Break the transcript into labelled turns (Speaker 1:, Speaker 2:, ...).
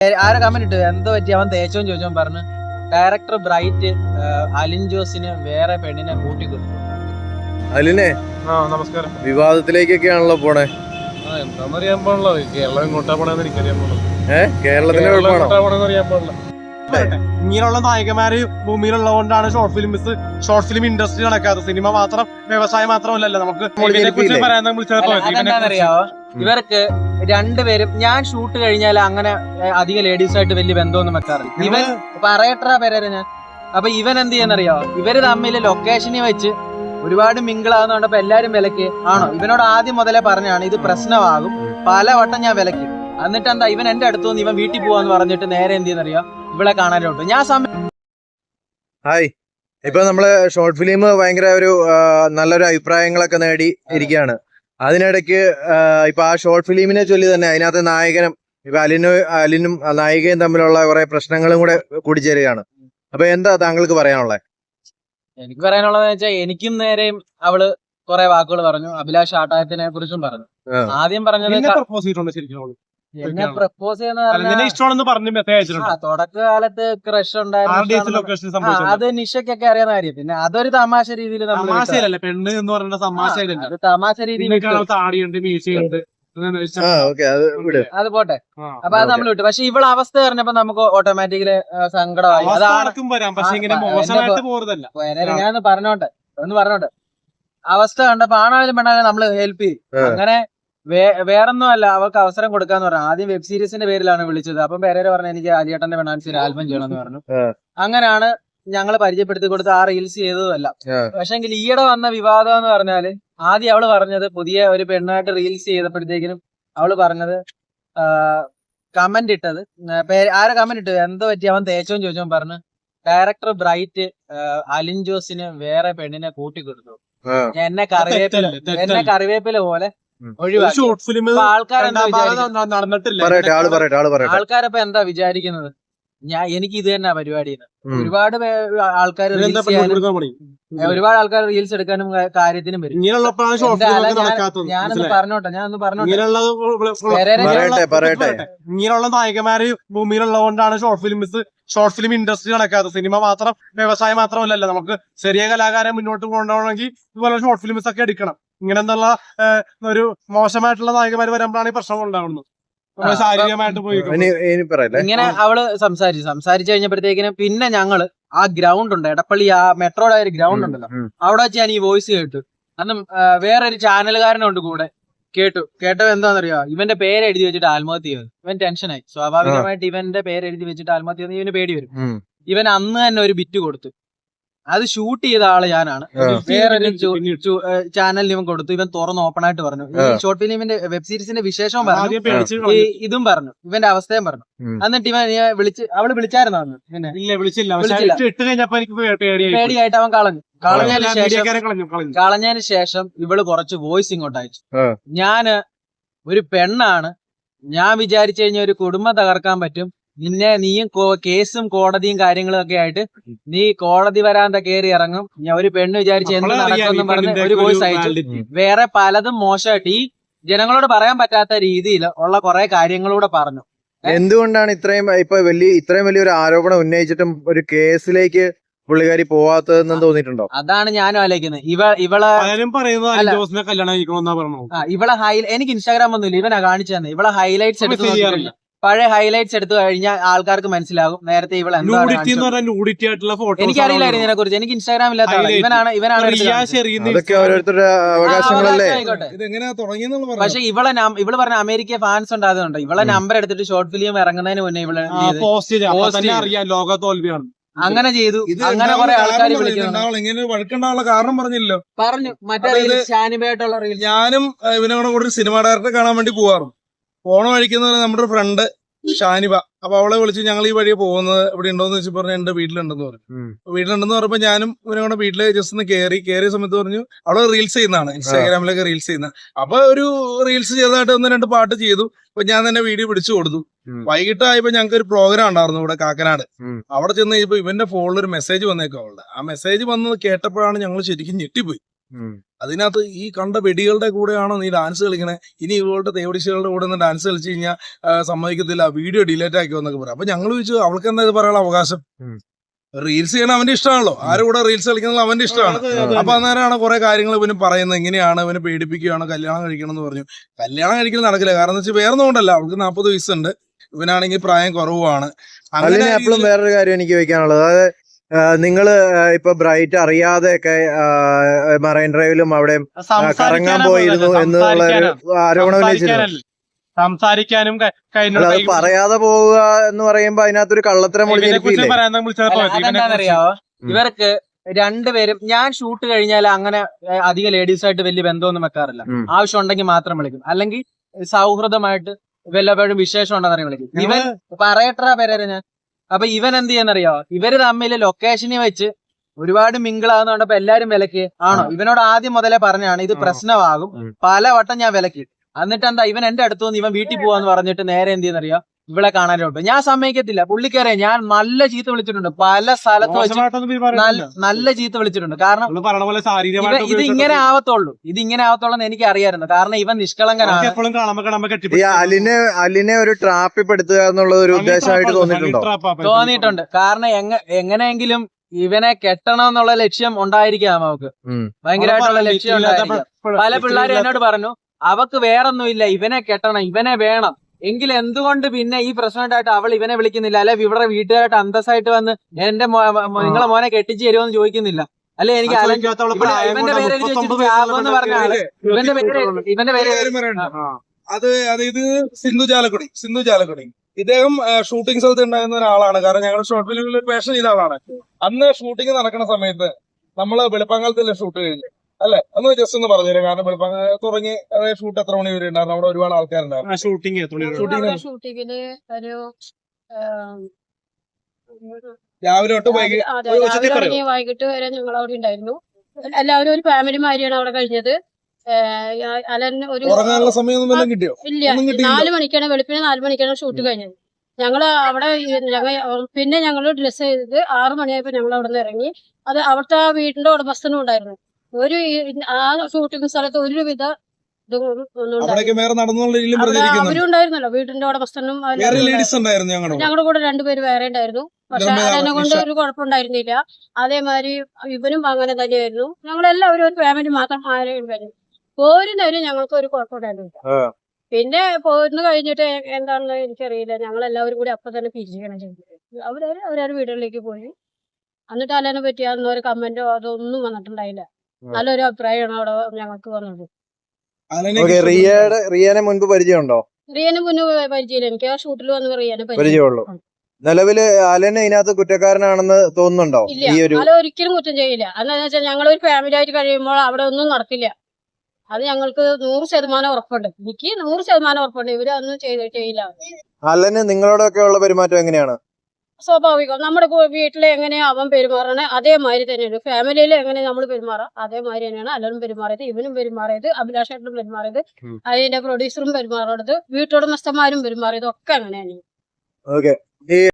Speaker 1: ആരെ കമന്റ് ഇട്ടു എന്തോ പറ്റി അവൻ തേച്ചോന്ന് ചോദിച്ചോ പറഞ്ഞു. ഡയറക്ടർ ബ്രൈറ്റ് അലിൻ ജോസിന് വേറെ പെണ്ണിനെ കൂട്ടിക്കൊടുത്തു.
Speaker 2: അലിനെ
Speaker 3: നമസ്കാരം.
Speaker 2: വിവാദത്തിലേക്കൊക്കെയാണല്ലോ പോണേ.
Speaker 3: എന്താന്നറിയാൻ പാടില്ല. കേരളം എങ്ങോട്ടാ പോണെന്ന് എനിക്കറിയാൻ പാടില്ല.
Speaker 2: കേരളത്തിന്റെ
Speaker 3: അറിയാൻ പാടില്ല. ഇങ്ങനെയുള്ള നായകന്മാര് ഭൂമിയിലുള്ളതുകൊണ്ടാണ് ഷോർട്ട് ഫിലിം ഇൻഡസ്ട്രി നടക്കാത്തത്. സിനിമ മാത്രം വ്യവസായം മാത്രമല്ലല്ലോ. നമുക്ക്
Speaker 1: അതെന്താണെന്നറിയാവോ, ഇവർക്ക് രണ്ടുപേരും ഞാൻ ഷൂട്ട് കഴിഞ്ഞാൽ അങ്ങനെ അധികം ലേഡീസായിട്ട് വലിയ ബന്ധമൊന്നും വെക്കാറില്ല. ഇവൻ പറയട്ടാ പേരെ ഞാൻ. അപ്പൊ ഇവൻ എന്ത് ചെയ്യാന്നറിയാവോ, ഇവര് തമ്മിൽ ലൊക്കേഷനിൽ വെച്ച് ഒരുപാട് മിങ്കിളാകുന്നോണ്ടപ്പോ എല്ലാരും വിലക്ക് ആണോ. ഇവനോട് ആദ്യം മുതലേ പറഞ്ഞാണ് ഇത് പ്രശ്നമാകും, പലവട്ടം ഞാൻ വിലക്ക്. എന്നിട്ട് എന്താ ഇവൻ എന്റെ അടുത്ത് വന്ന് ഇവൻ വീട്ടിൽ പോവാന്ന് പറഞ്ഞിട്ട് നേരെ എന്ത് ചെയ്യുന്നറിയാം, ഇവളെ കാണാനോട്ട് ഞാൻ
Speaker 2: ഹായ്. ഇപ്പൊ നമ്മള് ഷോർട്ട് ഫിലിം ഭയങ്കര ഒരു നല്ലൊരു അഭിപ്രായങ്ങളൊക്കെ നേടി ഇരിക്കുകയാണ്. അതിനിടയ്ക്ക് ഇപ്പൊ ആ ഷോർട്ട് ഫിലിമിനെ ചൊല്ലി തന്നെ അതിനകത്ത് നായകനും ഇപ്പൊ അലിനും നായികയും തമ്മിലുള്ള കുറെ പ്രശ്നങ്ങളും കൂടെ കൂടിച്ചേരുകയാണ്. അപ്പൊ എന്താ താങ്കൾക്ക് പറയാനുള്ളത്?
Speaker 1: എനിക്ക് പറയാനുള്ളതെന്ന് വെച്ചാൽ എനിക്കും നേരെയും അവള് കുറെ വാക്കുകൾ പറഞ്ഞു. അഭിലാഷ് ആട്ടായത്തിനെ കുറിച്ചും പറഞ്ഞു. ആദ്യം പറഞ്ഞത് എന്നെ പ്രപ്പോസ് ചെയ്യുന്ന തുടക്കകാലത്ത് ക്രഷ് ഉണ്ടായിരുന്നു. അത് നിഷയ്ക്കൊക്കെ അറിയാവുന്ന കാര്യം. പിന്നെ അതൊരു തമാശ രീതിയിൽ
Speaker 3: പെണ്ണ് എന്ന് പറയുന്ന
Speaker 1: അത് തമാശ രീതിയിൽ അത് പോട്ടെ. അപ്പൊ അത് നമ്മൾ വിട്ടു. പക്ഷെ ഇവളെ അവസ്ഥ പറഞ്ഞപ്പോ നമുക്ക് ഓട്ടോമാറ്റിക്കലി സങ്കടമായി. ഞാനൊന്ന് പറഞ്ഞോട്ടെ അവസ്ഥ കണ്ടപ്പോ ആണായാലും പെണ്ണായാലും നമ്മള് ഹെൽപ്പ് ചെയ്യും. അങ്ങനെ വേറൊന്നും അല്ല, അവർക്ക് അവസരം കൊടുക്കാന്ന് പറഞ്ഞു. ആദ്യം വെബ് സീരീസിന്റെ പേരിലാണ് വിളിച്ചത്. അപ്പം പേരേരെ പറഞ്ഞു എനിക്ക് ആലിയേട്ടന്റെ പെണ്ണാൻസിന് ആൽബം ചെയ്യണമെന്ന് പറഞ്ഞു. അങ്ങനെയാണ് ഞങ്ങള് പരിചയപ്പെടുത്തി കൊടുത്ത് ആ റീൽസ് ചെയ്തതല്ല. പക്ഷെങ്കിൽ ഈയിടെ വന്ന വിവാദം എന്ന് പറഞ്ഞാല് ആദ്യം അവള് പറഞ്ഞത് പുതിയ ഒരു പെണ്ണായിട്ട് റീൽസ് ചെയ്തപ്പോഴത്തേക്കിനും അവള് പറഞ്ഞത് കമന്റ് ഇട്ടത് ആരെ കമന്റ് ഇട്ടു എന്തോ പറ്റി അവൻ തേച്ചോന്ന് ചോദിച്ചോ പറഞ്ഞു. ഡയറക്ടർ ബ്രൈറ്റ് അലിൻ ജോസിന് വേറെ പെണ്ണിനെ കൂട്ടിക്കൊടുത്തു. എന്നെ കറിവേപ്പില പോലെ ആൾക്കാരപ്പൊ എന്താ വിചാരിക്കുന്നത്? എനിക്ക് ഇത് തന്നെ പരിപാടി. ഒരുപാട് ആൾക്കാർ റീൽസ് എടുക്കാനും കാര്യത്തിനും വരും. ഞാനൊന്ന് പറഞ്ഞോട്ടെ
Speaker 3: ഇങ്ങനെയുള്ള നായകന്മാര് ഭൂമിയിലുള്ളതുകൊണ്ടാണ് ഷോർട്ട് ഫിലിം ഇൻഡസ്ട്രി നടക്കാത്തത്. സിനിമ മാത്രം വ്യവസായം മാത്രമല്ലല്ലോ. നമുക്ക് ചെറിയ കലാകാരൻ മുന്നോട്ട് കൊണ്ടുപോകണമെങ്കിൽ ഇതുപോലെ ഷോർട്ട് ഫിലിംസ് ഒക്കെ എടുക്കണം. ഇങ്ങനെന്നുള്ള ഒരു മോശമായിട്ടുള്ള നായകന്മാര് വരുമ്പോഴാണ് ഈ പ്രശ്നം ഉണ്ടാവുന്നത്. ശാരീരികമായിട്ട് പോയി
Speaker 1: ഇങ്ങനെ അവള് സംസാരിച്ചു കഴിഞ്ഞപ്പോഴത്തേക്കിനും പിന്നെ ഞങ്ങള് ആ ഗ്രൗണ്ട് ഉണ്ട്, എടപ്പള്ളി ആ മെട്രോയുടെ ഒരു ഗ്രൗണ്ട് ഉണ്ടല്ലോ, അവിടെ വെച്ച് ഞാൻ ഈ വോയിസ് കേട്ടു. അന്ന് വേറൊരു ചാനലുകാരനുണ്ട് കൂടെ. കേട്ടത് എന്താണെന്നറിയോ, ഇവന്റെ പേര് എഴുതി വെച്ചിട്ട് ആത്മഹത്യ ചെയ്തു. ഇവൻ ടെൻഷനായി. സ്വാഭാവികമായിട്ട് ഇവന്റെ പേര് എഴുതി വെച്ചിട്ട് ആത്മഹത്യ ചെയ്ത് ഇവന് പേടി വരും. ഇവൻ അന്ന് തന്നെ ഒരു ബിറ്റ് കൊടുത്തു. അത് ഷൂട്ട് ചെയ്ത ആള് ഞാനാണ്. വേറൊരു ചാനലിന് ഇവൻ കൊടുത്തു. ഇവൻ തുറന്ന് ഓപ്പൺ ആയിട്ട് പറഞ്ഞു. ഈ ഷോർട്ട് ഫിലിമിന്റെ വെബ് സീരീസിന്റെ വിശേഷവും പറഞ്ഞു, ഇതും പറഞ്ഞു, ഇവന്റെ അവസ്ഥയും പറഞ്ഞു. എന്നിട്ട് ഇവൻ അവള് വിളിച്ചായിരുന്നു അന്ന്. പേടിയായിട്ട് അവൻ കളഞ്ഞതിന് ശേഷം ഇവള് കുറച്ച് വോയിസ് ഇങ്ങോട്ട് അയച്ചു. ഞാന് ഒരു പെണ്ണാണ്, ഞാൻ വിചാരിച്ചു കഴിഞ്ഞാൽ ഒരു കുടുംബം തകർക്കാൻ പറ്റും. നീയും കേസും കോടതിയും കാര്യങ്ങളും ഒക്കെ ആയിട്ട് നീ കോടതി വരാന്ത കയറി ഇറങ്ങും. ഞാൻ ഒരു പെണ്ണ് വിചാരിച്ച് എന്ത് നടക്കുമെന്നും പറഞ്ഞ് ഒരു വോയിസ് അയച്ചു. വേറെ പലതും മോശമായിട്ട് ഈ ജനങ്ങളോട് പറയാൻ പറ്റാത്ത രീതിയിൽ ഉള്ള കുറെ കാര്യങ്ങളൂടെ പറഞ്ഞു.
Speaker 2: എന്തുകൊണ്ടാണ് ഇത്രയും വലിയൊരു ആരോപണം ഉന്നയിച്ചിട്ടും ഒരു കേസിലേക്ക് പുള്ളിക്കാരി പോവാത്തതെന്ന് തോന്നിയിട്ടുണ്ടോ?
Speaker 1: അതാണ് ഞാനും ആലോചിക്കുന്നത്. എനിക്ക് ഇൻസ്റ്റാഗ്രാം ഒന്നുമില്ല, ഇവനാ കാണിച്ചു തന്നെ. ഇവളെ ഹൈലൈറ്റ്സ് എടുത്ത് പഴയ ഹൈലൈറ്റ്സ് എടുത്തു കഴിഞ്ഞാൽ ആൾക്കാർക്ക് മനസ്സിലാകും നേരത്തെ ഇവളെ. എനിക്കറിയില്ലായിരുന്നു ഇതിനെ കുറിച്ച്. എനിക്ക് ഇൻസ്റ്റാഗ്രാം ഇല്ലാത്ത ഇവനാണ്. പക്ഷെ ഇവള് പറഞ്ഞ അമേരിക്ക ഫാൻസ് ഉണ്ടാകുന്നുണ്ട്. ഇവളെ നമ്പർ എടുത്തിട്ട് ഷോർട്ട് ഫിലിം ഇറങ്ങുന്നതിന് മുന്നേ ഇവള് അങ്ങനെ ചെയ്തു. അങ്ങനെ കുറെ ആൾക്കാർ
Speaker 4: വിളിക്കുന്നുണ്ട്. കാരണം പറഞ്ഞില്ലല്ലോ.
Speaker 1: പറഞ്ഞു മറ്റേ ഷാനിബായിട്ടുള്ള റീൽ.
Speaker 4: ഞാനും ഇവനോട് കൂടെ ഒരു സിനിമ ഡയറക്ടറെ കാണാൻ വേണ്ടി പോവാറുണ്ട്. പോണ വഴിക്കുന്ന നമ്മുടെ ഒരു ഫ്രണ്ട് ഷാനിബ. അപ്പൊ അവളെ വിളിച്ച് ഞങ്ങൾ ഈ വഴിയെ പോകുന്നത് ഇവിടെ ഉണ്ടോന്ന് വെച്ച് പറഞ്ഞു. എന്റെ വീട്ടിലുണ്ടെന്ന് പറഞ്ഞു. വീട്ടിലുണ്ടെന്ന് പറഞ്ഞപ്പോ ഞാനും ഇവനോട് വീട്ടില് ജസ്റ്റ് ഒന്ന് കയറിയ സമയത്ത് പറഞ്ഞു അവള് റീൽസ് ചെയ്യുന്നതാണ്, ഇൻസ്റ്റാഗ്രാമിലൊക്കെ റീൽസ് ചെയ്യുന്ന. അപ്പൊ ഒരു റീൽസ് ചെയ്തതായിട്ട് 1-2 പാട്ട് ചെയ്തു. അപ്പൊ ഞാൻ തന്നെ വീഡിയോ പിടിച്ചു കൊടുത്തു. വൈകിട്ടായപ്പോ ഞങ്ങൾക്ക് ഒരു പ്രോഗ്രാം ഉണ്ടായിരുന്നു ഇവിടെ കാക്കനാട്. അവിടെ ചെന്ന് കഴിഞ്ഞപ്പോ ഇവന്റെ ഫോണിൽ ഒരു മെസ്സേജ് വന്നേക്കും അവളുടെ. ആ മെസ്സേജ് വന്നത് കേട്ടപ്പോഴാണ് ഞങ്ങൾ ശരിക്കും ഞെട്ടിപ്പോയി. അതിനകത്ത് ഈ കണ്ട വെടികളുടെ കൂടെയാണോ നീ ഡാൻസ് കളിക്കണേ, ഇനി ഇവളുടെ തേവടിശികളുടെ കൂടെ ഒന്ന് ഡാൻസ് കളിച്ച് കഴിഞ്ഞാൽ സമ്മതിക്കത്തില്ല, വീഡിയോ ഡിലേറ്റ് ആക്കിയോ എന്നൊക്കെ പറയാം. അപ്പൊ ഞങ്ങൾ ചോദിച്ചു അവൾക്ക് എന്താ ഇത് പറയാനുള്ള അവകാശം? റീൽസ് ചെയ്യണ അവന്റെ ഇഷ്ടമാണല്ലോ, ആരുടെ കൂടെ റീൽസ് കളിക്കുന്നത് അവന്റെ ഇഷ്ടമാണ്. അപ്പൊ അന്നേരമാണ് കുറെ കാര്യങ്ങൾ ഇവന് പറയുന്നത്, എങ്ങനെയാണ് ഇവനെ പേടിപ്പിക്കുകയാണ്, കല്യാണം കഴിക്കണം എന്ന് പറഞ്ഞു. കല്യാണം കഴിക്കൽ നടക്കില്ല, കാരണം എന്ന് വെച്ചാൽ വേറെ ഒന്നുകൊണ്ടല്ല, അവൾക്ക് 40 വയസ്സുണ്ട്, ഇവനാണെങ്കിൽ പ്രായം കുറവാണ്.
Speaker 2: അതിന് എപ്പോഴും വേറൊരു കാര്യം എനിക്ക് ചോദിക്കാനുള്ളത്, അതായത് നിങ്ങള് ഇപ്പൊ ബ്രൈറ്റ് അറിയാതെയൊക്കെ മറൈൻ ഡ്രൈവിലും അവിടെ കറങ്ങാൻ പോയിരുന്നു എന്നുള്ള ഒരു ആരോപണം ഉന്നയിച്ചിരുന്നു.
Speaker 3: സംസാരിക്കാനും
Speaker 2: അത് പറയാതെ പോവുക എന്ന് പറയുമ്പോ അതിനകത്തൊരു കള്ളത്തരം ഒളിഞ്ഞിരിക്കില്ലേ?
Speaker 1: അതെന്താണെന്നറിയാവോ, ഇവർക്ക് രണ്ടുപേരും ഞാൻ ഷൂട്ട് കഴിഞ്ഞാൽ അങ്ങനെ അധികം ലേഡീസായിട്ട് വലിയ ബന്ധമൊന്നും വെക്കാറില്ല. ആവശ്യം ഉണ്ടെങ്കിൽ മാത്രം വിളിക്കും, അല്ലെങ്കിൽ സൗഹൃദമായിട്ട് വല്ലപ്പോഴും വിശേഷം ഉണ്ടെന്നറിയാൻ വിളിക്കും. ഇവൻ പറയട്ടാ പേരെ ഞാൻ. അപ്പൊ ഇവൻ എന്ത് ചെയ്യാന്നറിയോ, ഇവര് തമ്മിൽ ലൊക്കേഷനിൽ വെച്ച് ഒരുപാട് മിങ്കിളാകുന്നോണ്ടപ്പോ എല്ലാരും വിലക്ക് ആണോ. ഇവനോട് ആദ്യം മുതലേ പറഞ്ഞാണ് ഇത് പ്രശ്നമാകും, പലവട്ടം ഞാൻ വിലക്കി. എന്നിട്ട് എന്താ ഇവൻ എന്റെ അടുത്ത് വന്ന് ഇവൻ വീട്ടിൽ പോവാന്ന് പറഞ്ഞിട്ട് നേരെ എന്ത് ചെയ്യുന്നറിയോ, ഇവിടെ കാണാനോട്ട് ഞാൻ സമ്മതിക്കത്തില്ല. പുള്ളിക്കറിയാം ഞാൻ നല്ല ചീത്ത വിളിച്ചിട്ടുണ്ട്, പല സ്ഥലത്ത് വെച്ച് നല്ല ചീത്ത വിളിച്ചിട്ടുണ്ട്. കാരണം ഇത് ഇങ്ങനെ ആവത്തുള്ളൂ, എന്ന് എനിക്ക് അറിയായിരുന്നു. കാരണം ഇവൻ നിഷ്കളങ്കനാണ്.
Speaker 2: ഈ അലിനെ ഒരു ട്രാപ്പിപ്പെടുത്തുക എന്നുള്ള ഒരു ഉദ്ദേശമായിട്ട്
Speaker 1: തോന്നിയിട്ടുണ്ട്. കാരണം എങ്ങനെയെങ്കിലും ഇവനെ കെട്ടണം എന്നുള്ള ലക്ഷ്യം ഉണ്ടായിരിക്കാം അവക്ക്, ഭയങ്കരമായിട്ടുള്ള ലക്ഷ്യം ഉണ്ടായിരിക്കാം. പല പിള്ളേരും എന്നോട് പറഞ്ഞു അവക്ക് വേറൊന്നുമില്ല, ഇവനെ കെട്ടണം, ഇവനെ വേണം. എങ്കിൽ എന്തുകൊണ്ട് പിന്നെ ഈ പ്രശ്നമായിട്ട് അവൾ ഇവനെ വിളിക്കുന്നില്ല, അല്ലെ ഇവിടെ വീട്ടുകാരായിട്ട് അന്തസ്സായിട്ട് വന്ന് എന്റെ നിങ്ങളെ മോനെ കെട്ടിച്ച് തരുമോന്ന് ചോദിക്കുന്നില്ല, അല്ലെ? എനിക്ക് ഇവന്റെ പേര് എന്ന് പറഞ്ഞ ആള് ഇവന്റെ പേര്
Speaker 4: അത് ഇത് സിന്ധു ചാലക്കുടി ഇദ്ദേഹം ഷൂട്ടിംഗ് സ്ഥലത്ത് ഉണ്ടായിരുന്ന ഒരാളാണ്. കാരണം ഞങ്ങൾ ഷോർട്ട് ഫിലിമിൽ പേഷൻ ചെയ്ത ആളാണ്. അന്ന് ഷൂട്ടിംഗ് നടക്കുന്ന സമയത്ത് നമ്മള് വെളുപ്പാങ്കാലത്തല്ലേ ഷൂട്ട് കഴിഞ്ഞു അല്ലെ? ഒന്ന് ജസ്റ്റ് ഒന്ന് പറഞ്ഞുതരാം. കാരണം വെളുപ്പാങ്കാലം തുടങ്ങി ഷൂട്ട് എത്ര മണി വരെ ഉണ്ടായിരുന്നു? അവിടെ ഒരുപാട് ആൾക്കാരുണ്ടായിരുന്നു.
Speaker 3: ഷൂട്ടിങ്ങിന്
Speaker 4: രാവിലെ തൊട്ട്
Speaker 5: വൈകിട്ട് വരെ ഞങ്ങൾ അവിടെ ഉണ്ടായിരുന്നു. എല്ലാവരും ഒരു ഫാമിലി മാതിരിയാണ് അവിടെ കഴിഞ്ഞത്. അലൻ ഒരു
Speaker 4: ഉറങ്ങാനുള്ള സമയമൊന്നും കിട്ടിയോ?
Speaker 5: ഇല്ല, 4 മണിക്കാണ്, വെളുപ്പിന് 4 മണിക്കാണ് ഷൂട്ട് കഴിഞ്ഞത്. ഞങ്ങള് അവിടെ പിന്നെ ഞങ്ങൾ ഡ്രസ് ചെയ്തത് 6 മണിയായപ്പോ ഞങ്ങൾ അവിടെ നിന്ന് ഇറങ്ങി. അത് അവിടുത്തെ ആ വീടിന്റെ ഉടമസ്ഥനും ഉണ്ടായിരുന്നു. ആ ഷൂട്ടിംഗ് സ്ഥലത്ത് ഒരുവിധ അവരും ഉണ്ടായിരുന്നല്ലോ, വീടിന്റെ ഉടമസ്ഥനും. ഞങ്ങളുടെ കൂടെ 2 പേര് വേറെ ഉണ്ടായിരുന്നു. പക്ഷെ അതിനെ കൊണ്ട് ഒരു കുഴപ്പമുണ്ടായിരുന്നില്ല. അതേമാതിരി ഇവനും അങ്ങനെ തന്നെയായിരുന്നു. ഞങ്ങളെല്ലാവരും ഒരു ഫാമിലി മാത്രം ആയിരുന്നു. പോരുന്നവരും ഞങ്ങൾക്ക് ഒരു കുഴപ്പമുണ്ടായിരുന്നില്ല. പിന്നെ പോരുന്ന് കഴിഞ്ഞിട്ട് എന്താണെന്ന് എനിക്കറിയില്ല, ഞങ്ങളെല്ലാവരും കൂടി അപ്പൊ തന്നെ പിരിച്ചുകയാണ് ചെയ്തത്. അവരവരുടെ വീടുകളിലേക്ക് പോയി. എന്നിട്ട് അലനെ പറ്റി അന്നൊരു കമന്റോ അതൊന്നും വന്നിട്ടുണ്ടായില്ല. നല്ലൊരു അഭിപ്രായമാണ് അവിടെ ഞങ്ങൾക്ക് വന്നത്.
Speaker 2: റിയാനെ മുൻപ് പരിചയമുണ്ടോ?
Speaker 5: റിയനെ മുന്നേ പരിചയമില്ല, എനിക്ക് ആ ഷൂട്ടിൽ വന്ന് റിയാനെ
Speaker 2: പരിചയമുള്ളൂ. നിലവില് അലൻ ഇതിനകത്ത് കുറ്റക്കാരനാണെന്ന് തോന്നുന്നുണ്ടോ?
Speaker 5: ഇല്ല, അല ഒരിക്കലും കുറ്റം ചെയ്യില്ല. എന്താണെന്ന് വെച്ചാൽ ഞങ്ങളൊരു ഫാമിലി ആയിട്ട് കഴിയുമ്പോൾ അവിടെ ഒന്നും നടക്കില്ല. അത് ഞങ്ങൾക്ക് 100% ഉറപ്പുണ്ട്. എനിക്ക് 100% ഉറപ്പുണ്ട് ഇവര് ഒന്നും ചെയ്യില്ല.
Speaker 2: അലന് നിങ്ങളോടൊക്കെ ഉള്ള പെരുമാറ്റം എങ്ങനെയാണ്?
Speaker 5: സ്വാഭാവികം. നമ്മുടെ വീട്ടിൽ എങ്ങനെയാ അവൻ പെരുമാറണേ അതേമാതിരി തന്നെയാണ്. ഫാമിലിയിൽ എങ്ങനെ നമ്മൾ പെരുമാറാം അതേമാതിരി തന്നെയാണ് അലനും പെരുമാറിയത്, ഇവനും പെരുമാറിയത്, അഭിലാഷേട്ടനും പെരുമാറിയത്, അതിന്റെ പ്രൊഡ്യൂസറും പെരുമാറിയത്, വീട്ടുടമസ്ഥന്മാരും പെരുമാറിയത് ഒക്കെ അങ്ങനെയാണ്.